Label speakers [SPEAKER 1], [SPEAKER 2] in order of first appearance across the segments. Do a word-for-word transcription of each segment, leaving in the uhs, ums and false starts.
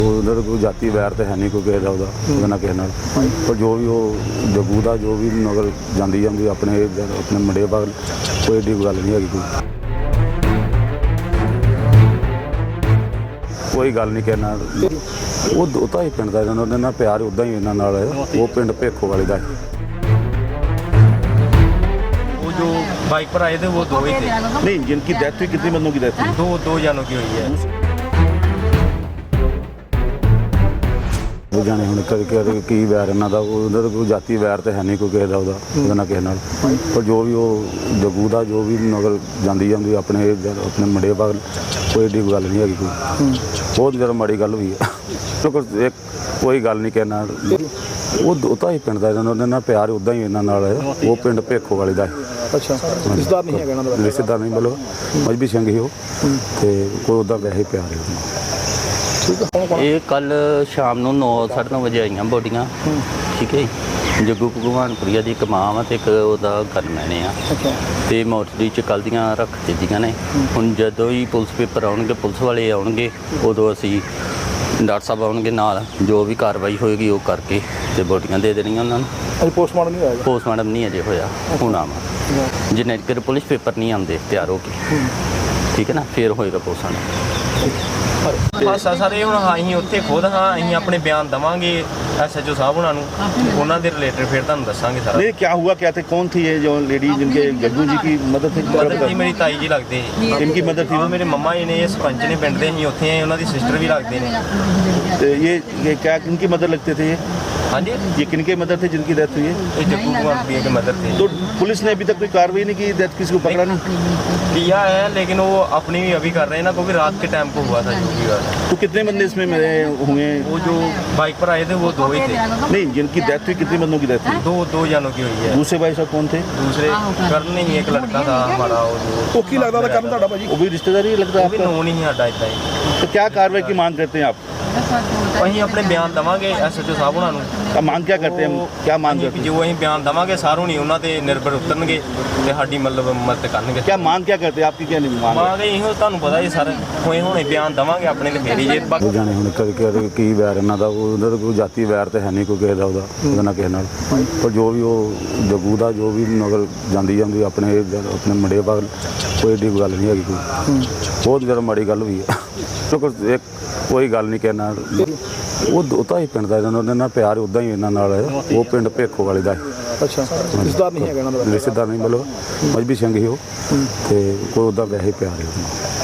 [SPEAKER 1] उधर कोई जाति वैर तो है नहीं कोई किसी का ਉਹਦਾ ਨਾ ਕਿਸੇ ਨਾਲ ਪਰ ਜੋ ਵੀ ਉਹ ਜੱਗੂ ਦਾ ਜੋ ਵੀ ਨਗਰ ਜਾਂਦੀ ਜਾਂਦੀ ਆਪਣੇ ਆਪਣੇ ਮੁੰਡੇ ਬਾਗ ਕੋਈ ਏਡੀ ਗੱਲ ਨਹੀਂ ਹੈਗੀ ਕੋਈ ਕੋਈ ਗੱਲ ਨਹੀਂ ਕਹਿਣਾ ਉਹ ਉਹ ਤਾਂ ਹੀ ਪਿੰਡ ਦਾ ਇਹਨਾਂ ਨਾਲ ਪਿਆਰ ਉੱਦਾਂ ਹੀ ਇਹਨਾਂ ਨਾਲ ਉਹ ਪਿੰਡ ਭੇਖੋ ਵਾਲੇ ਦਾ
[SPEAKER 2] वो जो बाइक पर आए थे वो दो ही थे।
[SPEAKER 3] नहीं, जिनकी डेथ हुई कितने बंदों की डेथ हुई?
[SPEAKER 2] दो दो जानों की हुई है।
[SPEAKER 1] ਉਹ ਜਾਣੇ ਹੁਣ ਕਦੇ ਕਦੇ ਕੀ ਵੈਰ ਇਹਨਾਂ ਦਾ ਉਹਨਾਂ ਦਾ ਕੋਈ ਜਾਤੀ ਵੈਰ ਤਾਂ ਹੈ ਨਹੀਂ ਕੋਈ ਕਿਸੇ ਦਾ ਉਹਦਾ ਉਹਦਾ ਨਾ ਕਿਸੇ ਨਾਲ ਪਰ ਜੋ ਵੀ ਉਹ ਜੱਗੂ ਦਾ ਜੋ ਵੀ ਨਗਰ ਜਾਂਦੀ ਜਾਂਦੀ ਆਪਣੇ ਆਪਣੇ ਮੁੰਡੇ ਬਾਗ ਕੋਈ ਏਡੀ ਗੱਲ ਨਹੀਂ ਹੈਗੀ ਕੋਈ ਬਹੁਤ ਜ਼ਿਆਦਾ ਮਾੜੀ ਗੱਲ ਹੋਈ ਹੈ ਇੱਕ ਕੋਈ ਗੱਲ ਨਹੀਂ ਕਹਿਣਾ ਉਹ ਉਹ ਤਾਂ ਹੀ ਪਿੰਡ ਦਾ ਇਹਨਾਂ ਨਾਲ ਪਿਆਰ ਉੱਦਾਂ ਹੀ ਇਹਨਾਂ ਨਾਲ ਉਹ ਪਿੰਡ ਭੇਖੋ ਵਾਲੇ ਦਾ
[SPEAKER 3] ਅੱਛਾ ਰਿਸ਼ਤੇਦਾਰ ਨਹੀਂ ਹੈਗਾ ਇਹਨਾਂ ਦਾ
[SPEAKER 1] ਰਿਸ਼ਤੇਦਾਰ ਨਹੀਂ ਮਤਲਬ ਮਜਬੀ ਸਿੰਘ ਹੀ ਉਹ ਤੇ ਕੋਈ ਉੱਦਾਂ ਵੈਸੇ ਪਿਆਰ ਹੈ
[SPEAKER 4] ਇਹ ਕੱਲ ਸ਼ਾਮ ਨੂੰ ਨੌ ਸਾਢੇ ਨੌ ਵਜੇ ਆਈਆਂ ਬੋਡੀਆਂ ਠੀਕ ਹੈ ਜੀ। ਜੱਗੂ ਭਗਵਾਨਪੁਰੀਆ ਦੀ ਇੱਕ ਮਾਂ ਵਾ ਤੇ ਇੱਕ ਉਹਦਾ ਗਨਮੈਨ ਆ ਤੇ ਮੋਰਚਰੀ ਚ ਕੱਲ੍ਹ ਦੀਆਂ ਰੱਖ ਦਿੱਤੀਆਂ ਨੇ। ਹੁਣ ਜਦੋਂ ਹੀ ਪੁਲਿਸ ਪੇਪਰ ਆਉਣਗੇ ਪੁਲਿਸ ਵਾਲੇ ਆਉਣਗੇ ਉਦੋਂ ਅਸੀਂ ਡਾਕਟਰ ਸਾਹਿਬ ਆਉਣਗੇ ਨਾਲ ਜੋ ਵੀ ਕਾਰਵਾਈ ਹੋਏਗੀ ਉਹ ਕਰਕੇ ਤੇ ਬੋਡੀਆਂ ਦੇ ਦੇਣੀਆਂ ਉਹਨਾਂ ਨੂੰ।
[SPEAKER 3] ਅਜੇ ਪੋਸਟਮਾਰਟਮ ਨਹੀਂ ਹੋਇਆ?
[SPEAKER 4] ਪੋਸਟਮਾਰਟਮ ਨਹੀਂ ਅਜੇ ਹੋਇਆ ਹੁਣ ਆਵਾਂ ਜਿੰਨੇ ਚਿਰ ਪੁਲਿਸ ਪੇਪਰ ਨਹੀਂ ਆਉਂਦੇ ਤਿਆਰ ਹੋ ਕੇ ਠੀਕ ਹੈ ਨਾ ਫਿਰ ਹੋਏਗਾ ਪੋਸਟਮਾਰਟਮ।
[SPEAKER 2] ਹਾਸਾ ਸਾਰੇ ਹੁਣ ਹਾਂ ਅਸੀਂ ਉੱਥੇ ਖੁਦ ਹਾਂ ਅਸੀਂ ਆਪਣੇ ਬਿਆਨ ਦਵਾਂਗੇ ਐਸਐਚਓ ਸਾਹਿਬ ਉਹਨਾਂ ਨੂੰ ਉਹਨਾਂ ਦੇ ਰਿਲੇਟਡ ਫਿਰ ਤੁਹਾਨੂੰ ਦੱਸਾਂਗੇ ਸਾਰਾ।
[SPEAKER 3] नहीं, क्या हुआ क्या थे? कौन थी ये जो लेडी जिनके जग्गू जी की मदद थी?
[SPEAKER 2] ਮਦਰ ਜੀ ਮੇਰੀ ਤਾਈ ਜੀ ਲੱਗਦੇ
[SPEAKER 3] इनकी मदद थी?
[SPEAKER 2] ਹਾਂ ਮੇਰੇ ਮੰਮਾ ਜੀ ਨੇ ਇਹ ਸਰਪੰਚ ਨੇ ਪਿੰਡ ਦੇ ਅਸੀਂ ਉੱਥੇ ਆਏ ਉਹਨਾਂ ਦੀ ਸਿਸਟਰ ਵੀ ਲੱਗਦੇ ਨੇ।
[SPEAKER 3] तो ये ये क्या किनकी मदद लगते थे ये
[SPEAKER 2] ਹਾਂਜੀ
[SPEAKER 3] ये किनके मदद थे जिनकी डेथ हुई है?
[SPEAKER 2] ਇਹ ਜੱਗੂ ਭगवानपुरिया के मदर थे।
[SPEAKER 3] तो पुलिस ने अभी तक कोई कार्रवाई नहीं की? डेथ किसी को पकड़ा नहीं?
[SPEAKER 2] किया है लेकिन वो अपनी भी अभी कर रहे हैं ना क्योंकि रात के टाइम को हुआ था जो भी हुआ था।
[SPEAKER 3] तो कितने बंदे इसमें मरे हुए?
[SPEAKER 2] वो जो बाइक पर आए थे वो दो ही थे।
[SPEAKER 3] नहीं, जिनकी डेथ हुई कितने बंदों की डेथ हुई?
[SPEAKER 2] दो दो जानों की हुई है।
[SPEAKER 3] दूसरे भाई साहब कौन थे?
[SPEAKER 2] दूसरे करण नहीं एक लड़का था हमारा वो जो
[SPEAKER 3] तो की लगता था करण भाजी वो भी रिश्तेदार ही लगता
[SPEAKER 2] वो भी
[SPEAKER 3] है
[SPEAKER 2] नोन ही साडा इतना ही।
[SPEAKER 3] आपका? तो क्या कार्रवाई की मांग करते हैं आप?
[SPEAKER 2] ਅਸੀਂ ਆਪਣੇ ਬਿਆਨ ਦਵਾਂਗੇ ਐਸਐਚਓ ਸਾਹਿਬ ਉਹਨਾਂ ਨੂੰ।
[SPEAKER 3] क्या मांग क्या करते हैं? क्या मांग
[SPEAKER 2] ਅਸੀਂ
[SPEAKER 3] करते हैं?
[SPEAKER 2] ਜੋ ਅਸੀਂ ਬਿਆਨ ਦਵਾਂਗੇ ਸਾਰੋਂ ਨਹੀਂ ਉਹਨਾਂ ਤੇ ਨਿਰਭਰ ਉਤਰਨਗੇ ਤੇ ਸਾਡੀ ਮਤਲਬ ਮਦਦ ਕਰਨਗੇ।
[SPEAKER 3] क्या मांग क्या करते हैं? आपकी क्या नहीं मांग?
[SPEAKER 2] ਮਾਂਗੇ ਇਹੋ ਤੁਹਾਨੂੰ ਪਤਾ ਹੀ ਸਰ ਹੋਏ ਹੁਣੇ ਬਿਆਨ ਦਵਾਂਗੇ ਆਪਣੇ ਤੇ ਫੇਰੀ ਜੇ ਬਾਕੀ
[SPEAKER 1] ਉਹ ਜਾਣੇ ਹੁਣ ਕਦੇ ਕਦੇ ਕੀ ਵੈਰ ਇਹਨਾਂ ਦਾ ਉਹਨਾਂ ਦਾ ਕੋਈ ਜਾਤੀ ਵੈਰ ਤਾਂ ਹੈ ਨਹੀਂ ਕੋਈ ਕਿਸੇ ਦਾ ਉਹਦਾ ਉਹਦਾ ਨਾ ਕਿਸੇ ਨਾਲ ਪਰ ਜੋ ਵੀ ਉਹ ਜੱਗੂ ਦਾ ਜੋ ਵੀ ਨਗਰ ਜਾਂਦੀ ਜਾਂਦੀ ਆਪਣੇ ਆਪਣੇ ਮੁੰਡੇ ਬਾਗ ਕੋਈ ਏਡੀ ਗੱਲ ਨਹੀਂ ਹੈਗੀ ਕੋਈ ਬਹੁਤ ਜ਼ਿਆਦਾ ਮਾੜੀ ਗੱਲ ਹੋਈ ਹੈ ਇੱਕ ਕੋਈ ਗੱਲ ਨਹੀਂ ਕਹਿਣਾ ਉਹ ਉਹ ਤਾਂ ਹੀ ਪਿੰਡ ਦਾ ਇਹਨਾਂ ਨਾਲ ਪਿਆਰ ਉੱਦਾਂ ਹੀ ਇਹਨਾਂ ਨਾਲ ਉਹ ਪਿੰਡ ਭੇਖੋ ਵਾਲੇ ਦਾ
[SPEAKER 3] अच्छा रिश्तेदार नहीं है ਇਹਨਾਂ ਦਾ
[SPEAKER 1] ਰਿਸ਼ਤੇਦਾਰ ਨਹੀਂ ਮਤਲਬ ਮਜਬੀ ਸਿੰਘ ਹੀ ਉਹ ਤੇ ਕੋਈ ਉੱਦਾਂ ਵੈਸੇ ਪਿਆਰ ਹੈ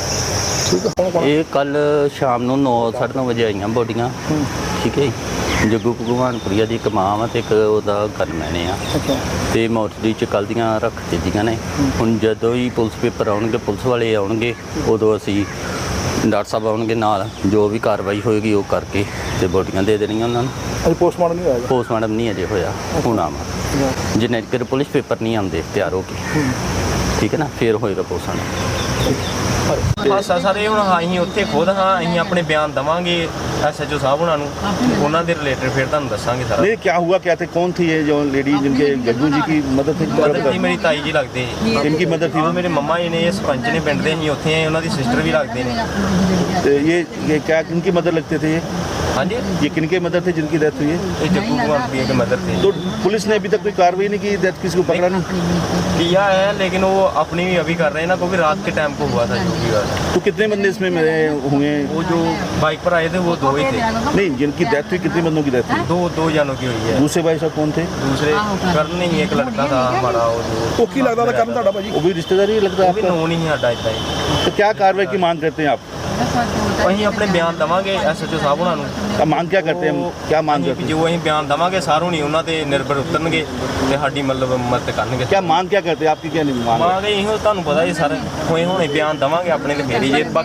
[SPEAKER 1] ਉਹਦਾ
[SPEAKER 4] ਇਹ ਕੱਲ ਸ਼ਾਮ ਨੂੰ ਨੌ ਸਾਢੇ ਨੌ ਵਜੇ ਆਈਆਂ ਬੋਡੀਆਂ ਠੀਕ ਹੈ ਜੀ। ਜੱਗੂ ਭਗਵਾਨਪੁਰੀਆ ਦੀ ਇੱਕ ਮਾਂ ਵਾ ਤੇ ਇੱਕ ਉਹਦਾ ਗਨਮੈਨ ਆ ਤੇ ਮੋਰਚਰੀ ਚ ਕੱਲ੍ਹ ਦੀਆਂ ਰੱਖ ਦਿੱਤੀਆਂ ਨੇ। ਹੁਣ ਜਦੋਂ ਹੀ ਪੁਲਿਸ ਪੇਪਰ ਆਉਣਗੇ ਪੁਲਿਸ ਵਾਲੇ ਆਉਣਗੇ ਉਦੋਂ ਅਸੀਂ ਡਾਕਟਰ ਸਾਹਿਬ ਆਉਣਗੇ ਨਾਲ ਜੋ ਵੀ ਕਾਰਵਾਈ ਹੋਏਗੀ ਉਹ ਕਰਕੇ ਤੇ ਬੋਡੀਆਂ ਦੇ ਦੇਣੀਆਂ ਉਹਨਾਂ ਨੂੰ।
[SPEAKER 3] ਅਜੇ ਪੋਸਟਮਾਰਟਮ ਨਹੀਂ ਹੋਇਆ?
[SPEAKER 4] ਪੋਸਟਮਾਰਟਮ ਨਹੀਂ ਅਜੇ ਹੋਇਆ ਹੁਣ ਆਵਾਂ ਜਿੰਨੇ ਚਿਰ ਪੁਲਿਸ ਪੇਪਰ ਨਹੀਂ ਆਉਂਦੇ ਤਿਆਰ ਹੋ ਕੇ ਠੀਕ ਹੈ ਨਾ ਫਿਰ ਹੋਏਗਾ ਪੋਸਟਮਾਰਟਮ।
[SPEAKER 2] ਹਾਸਾ ਸਾਰੇ ਹੁਣ ਹਾਂ ਅਸੀਂ ਉੱਥੇ ਖੁਦ ਹਾਂ ਅਸੀਂ ਆਪਣੇ ਬਿਆਨ ਦਵਾਂਗੇ ਐਸਐਚਓ ਸਾਹਿਬ ਉਹਨਾਂ ਨੂੰ ਉਹਨਾਂ ਦੇ ਰਿਲੇਟਡ ਫਿਰ ਤੁਹਾਨੂੰ ਦੱਸਾਂਗੇ ਸਾਰਾ।
[SPEAKER 3] नहीं, क्या हुआ क्या थे? कौन थी ये जो लेडी जिनके जग्गू जी की मदद थी?
[SPEAKER 2] ਮਦਰ ਜੀ ਮੇਰੀ ਤਾਈ ਜੀ ਲੱਗਦੇ
[SPEAKER 3] इनकी मदद थी?
[SPEAKER 2] ਹਾਂ ਮੇਰੇ ਮੰਮਾ ਜੀ ਨੇ ਇਹ ਸਰਪੰਚ ਨੇ ਪਿੰਡ ਦੇ ਅਸੀਂ ਉੱਥੇ ਆਏ ਉਹਨਾਂ ਦੀ ਸਿਸਟਰ ਵੀ ਲੱਗਦੇ ਨੇ।
[SPEAKER 3] तो ये ये क्या किनकी मदद लगते थे ये
[SPEAKER 2] ਹਾਂਜੀ
[SPEAKER 3] ये किनके मदद थे जिनकी डेथ हुई है?
[SPEAKER 2] ਇਹ जग्गू भगवानपुरिया के मदर थे।
[SPEAKER 3] तो पुलिस ने अभी तक कोई कार्रवाई नहीं की? डेथ किसी को पकड़ा नहीं?
[SPEAKER 2] किया है लेकिन वो अपनी भी अभी कर रहे हैं ना क्योंकि रात के टाइम को हुआ था जो भी हुआ था।
[SPEAKER 3] तो कितने बंदे इसमें मरे हुए?
[SPEAKER 2] वो जो बाइक पर आए थे वो दो ही थे।
[SPEAKER 3] नहीं, जिनकी डेथ हुई कितने बंदों की डेथ हुई?
[SPEAKER 2] दो दो जानों की हुई है।
[SPEAKER 3] दूसरे भाई साहब कौन थे?
[SPEAKER 2] दूसरे करण नहीं एक लड़का था हमारा वो जो
[SPEAKER 3] तो की लगता था करण भाजी वो भी रिश्तेदार ही लगता है
[SPEAKER 2] वो भी
[SPEAKER 3] आपका?
[SPEAKER 2] नोन ही साडा इतना ही।
[SPEAKER 3] तो क्या कार्रवाई की मांग करते हैं आप?
[SPEAKER 2] ਅਸੀਂ ਆਪਣੇ ਬਿਆਨ ਦਵਾਂਗੇ ਐਸਐਚਓ ਸਾਹਿਬ ਉਹਨਾਂ ਨੂੰ।
[SPEAKER 3] क्या मांग क्या करते हैं? क्या मांग
[SPEAKER 2] ਅਸੀਂ
[SPEAKER 3] करते हैं?
[SPEAKER 2] ਜੋ ਅਸੀਂ ਬਿਆਨ ਦਵਾਂਗੇ ਸਾਰੋਂ ਨਹੀਂ ਉਹਨਾਂ ਤੇ ਨਿਰਭਰ ਉਤਰਨਗੇ ਤੇ ਸਾਡੀ ਮਤਲਬ ਮਦਦ ਕਰਨਗੇ।
[SPEAKER 3] क्या मांग क्या करते हैं? आपकी क्या नहीं मांग?
[SPEAKER 2] ਮਾਂਗੇ ਇਹੋ ਤੁਹਾਨੂੰ ਪਤਾ ਹੀ ਸਰ ਹੋਏ ਹੁਣੇ ਬਿਆਨ ਦਵਾਂਗੇ ਆਪਣੇ ਤੇ ਫੇਰੀ ਜੇ ਬਾਕੀ